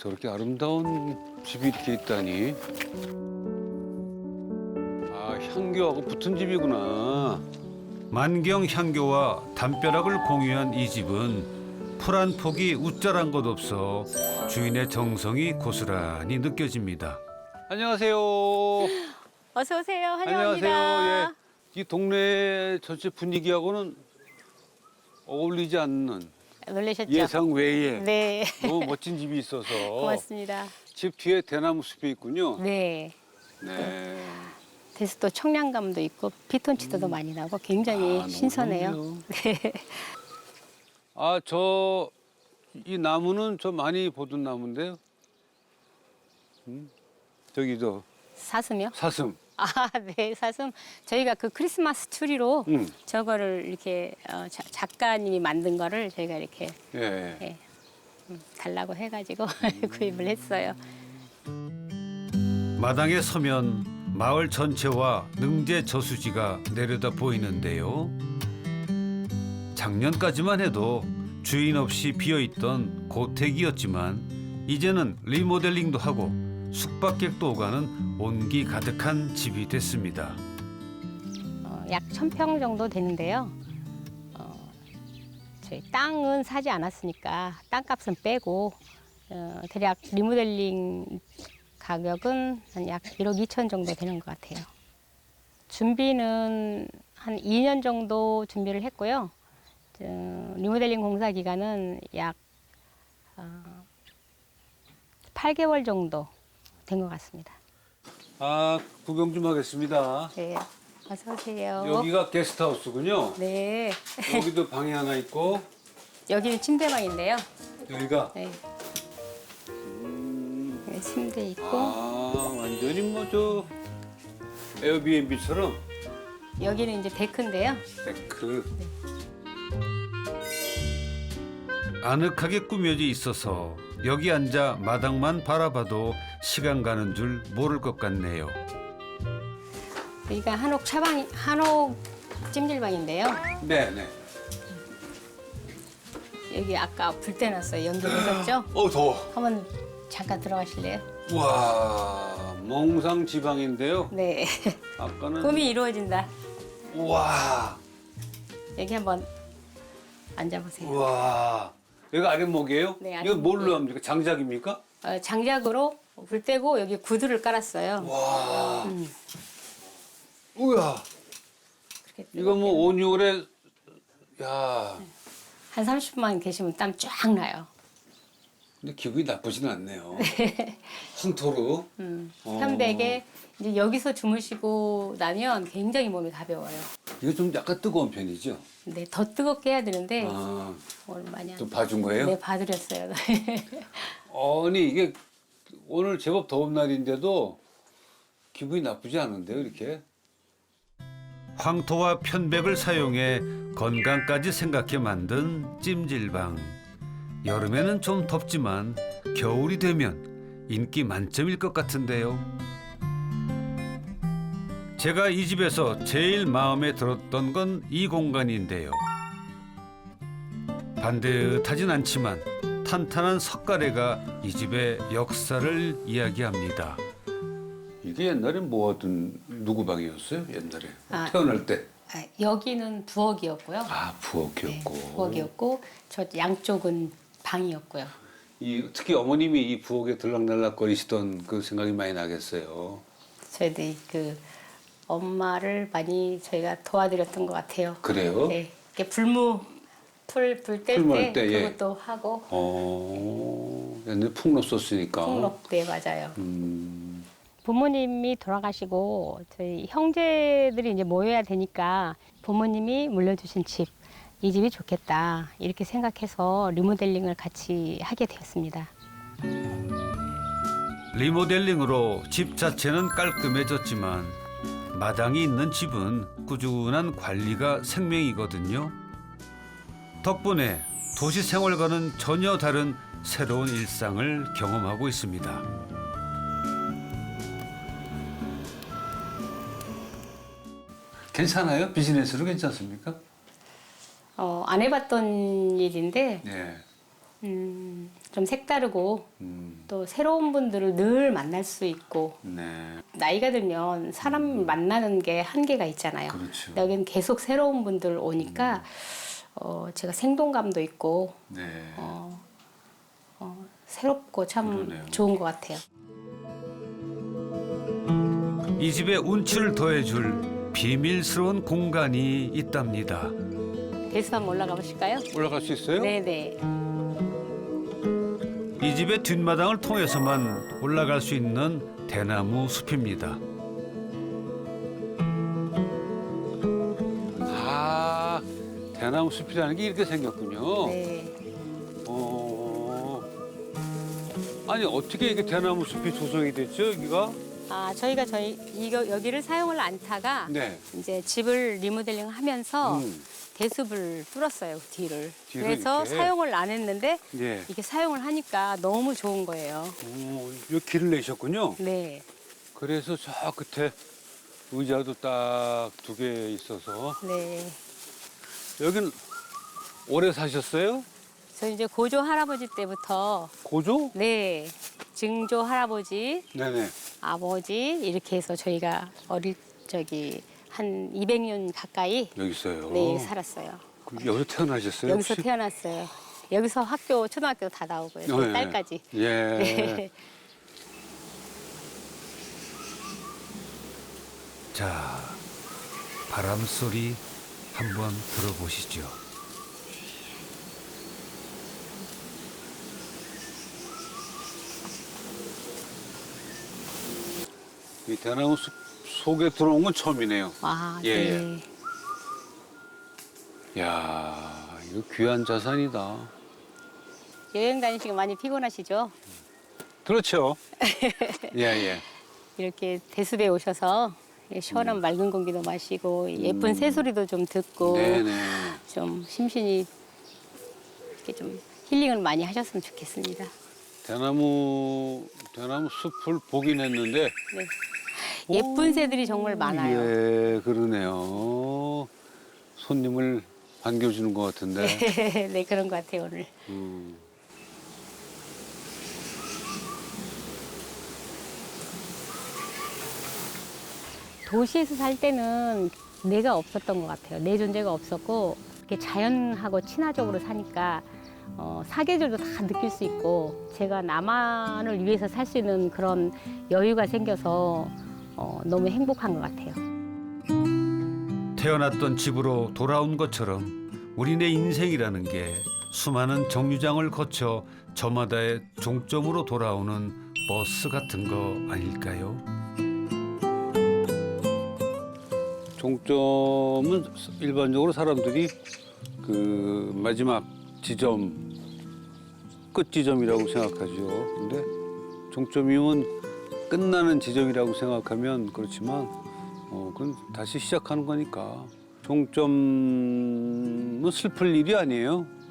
저렇게 아름다운 집이 이렇게 있다니. 아, 향교하고 붙은 집이구나. 만경 향교와 담벼락을 공유한 이 집은 풀 한 폭이 웃자란 것 없어 주인의 정성이 고스란히 느껴집니다. 안녕하세요. 어서 오세요. 환영합니다. 안녕하세요. 예. 이 동네 전체 분위기하고는 어울리지 않는 놀라셨죠? 예상 외에 네. 너무 멋진 집이 있어서 고맙습니다. 집 뒤에 대나무 숲이 있군요. 네. 네. 그래서 또 청량감도 있고 피톤치드도 많이 나고 굉장히 아, 신선해요. 너무 네. 아, 이 나무는 저 많이 보던 나무인데요. 저기 사슴이요? 사슴. 아, 네, 사슴. 저희가 그 크리스마스 추리로 음. 저거를 이렇게 작가님이 만든 거를 저희가 이렇게 예. 예, 달라고 해가지고 구입을 했어요. 마당에 서면 마을 전체와 능제 저수지가 내려다 보이는데요. 작년까지만 해도 주인 없이 비어있던 고택이었지만 이제는 리모델링도 하고 숙박객도 오가는 온기 가득한 집이 됐습니다. 약 1,000평 정도 되는데요. 저희 땅은 사지 않았으니까 땅값은 빼고 대략 리모델링 가격은 한 약 1억 2천 정도 되는 것 같아요. 준비는 한 2년 정도 준비를 했고요. 리모델링 공사 기간은 약 8개월 정도 된 것 같습니다. 아, 구경 좀 하겠습니다. 네, 어서 오세요. 여기가 게스트하우스군요. 네, 여기도 방이 하나 있고 여기는 침대방인데요. 여기가 네. 네, 침대 있고 아, 완전히 뭐 저 에어비앤비처럼 여기는 이제 데크인데요. 데크. 아늑하게 꾸며져 있어서 여기 앉아 마당만 바라봐도 시간 가는 줄 모를 것 같네요. 여기가 한옥 찜질방인데요. 네, 네. 여기 아까 불 떼놨어요. 연결해줬죠? 더워. 한번 잠깐 들어가실래요? 와, 몽상 지방인데요. 네. 아까는 꿈이 이루어진다. 와, 여기 한번 앉아보세요. 와. 여기가 아랫목이에요? 네, 이거 뭘로 아랫목이에요. 합니까? 장작입니까? 장작으로 불 떼고 여기 구두를 깔았어요. 와. 우야. 그렇게 이거 뭐 온유월에 야. 한 30분만 계시면 땀 쫙 나요. 근데 기분이 나쁘진 않네요. 황토로. 편백에 이제 여기서 주무시고 나면 굉장히 몸이 가벼워요. 이거 좀 약간 뜨거운 편이죠? 근데 더 뜨겁게 해야 되는데 아, 오늘 많이 또 봐준 거예요? 네, 봐드렸어요. 아니 이게 오늘 제법 더운 날인데도 기분이 나쁘지 않은데요, 이렇게? 황토와 편백을 사용해 건강까지 생각해 만든 찜질방. 여름에는 좀 덥지만 겨울이 되면 인기 만점일 것 같은데요. 제가 이 집에서 제일 마음에 들었던 건 이 공간인데요. 반듯하진 않지만 탄탄한 석가래가 이 집의 역사를 이야기합니다. 이게 옛날에 뭐하던 누구 방이었어요? 옛날에 아. 태어날 때. 여기는 부엌이었고요. 아, 부엌이었고. 네, 부엌이었고 저 양쪽은 방이었고요. 특히 어머님이 이 부엌에 들락날락거리시던 그 생각이 많이 나겠어요. 저희도 그 엄마를 많이 저희가 도와드렸던 것 같아요. 그래요? 네, 이렇게 불 뗄 풀물 때 때, 예. 그것도 하고 옛날에 풍로 썼으니까. 폭력 때 맞아요. 음, 부모님이 돌아가시고 저희 형제들이 이제 모여야 되니까 부모님이 물려주신 집, 이 집이 좋겠다 이렇게 생각해서 리모델링을 같이 하게 되었습니다. 리모델링으로 집 자체는 깔끔해졌지만 마당이 있는 집은 꾸준한 관리가 생명이거든요. 덕분에 도시 생활과는 전혀 다른 새로운 일상을 경험하고 있습니다. 괜찮아요? 비즈니스로 괜찮습니까? 안 해봤던 일인데 네. 좀 색다르고 음. 또 새로운 분들을 늘 만날 수 있고 네. 나이가 들면 사람 만나는 게 한계가 있잖아요. 그렇죠. 근데 여기는 계속 새로운 분들 오니까 제가 생동감도 있고 네. 새롭고 참 그러네요. 좋은 것 같아요. 이 집의 운치를 더해줄 비밀스러운 공간이 있답니다. 대수 한번 올라가 보실까요? 올라갈 수 있어요? 네네. 이 집의 뒷마당을 통해서만 올라갈 수 있는 대나무 숲입니다. 아, 대나무 숲이라는 게 이렇게 생겼군요. 네. 아니 어떻게 이게 대나무 숲이 조성이 됐죠, 여기가? 저희가 여기를 사용을 않다가 네. 이제 집을 리모델링 하면서 음. 대숲을 뚫었어요, 뒤를. 뒤를 그래서 이렇게? 사용을 안 했는데 예. 이게 사용을 하니까 너무 좋은 거예요. 요 길을 내셨군요. 네. 그래서 저 끝에 의자도 딱 2개 있어서 네. 여긴 오래 사셨어요? 저 이제 고조 할아버지 때부터 고조? 네. 증조 할아버지, 네네. 아버지 이렇게 해서 저희가 한 200년 가까이 여기 있어요. 네, 살았어요. 그럼 여기서 태어나셨어요? 여기서 혹시? 태어났어요. 여기서 초등학교 다 나오고요. 제 네. 딸까지. 예. 네. 자, 바람 소리 한번 들어보시죠. 이 대나무 숲 속에 들어온 건 처음이네요. 아, 예, 네. 야, 이거 귀한 자산이다. 여행 다니시고 많이 피곤하시죠? 그렇죠. 예, 예. 이렇게 대숲에 오셔서 시원한 맑은 공기도 마시고 예쁜 새소리도 좀 듣고 네네. 좀 심신이 이렇게 좀 힐링을 많이 하셨으면 좋겠습니다. 대나무 숲을 보긴 했는데. 네. 예쁜 새들이 정말 많아요. 예, 그러네요. 손님을 반겨주는 것 같은데. 네, 그런 것 같아요, 오늘. 도시에서 살 때는 내가 없었던 것 같아요. 내 존재가 없었고 이렇게 자연하고 친화적으로 사니까 사계절도 다 느낄 수 있고 제가 나만을 위해서 살 수 있는 그런 여유가 생겨서 너무 행복한 것 같아요. 태어났던 집으로 돌아온 것처럼 우리네 인생이라는 게 수많은 정류장을 거쳐 저마다의 종점으로 돌아오는 버스 같은 거 아닐까요? 종점은 일반적으로 사람들이 그 마지막 지점, 끝 지점이라고 생각하죠. 근데 종점이면 끝나는 지점이라고 생각하면 그렇지만 그건 다시 시작하는 거니까 종점은 슬플 일이 아니에요.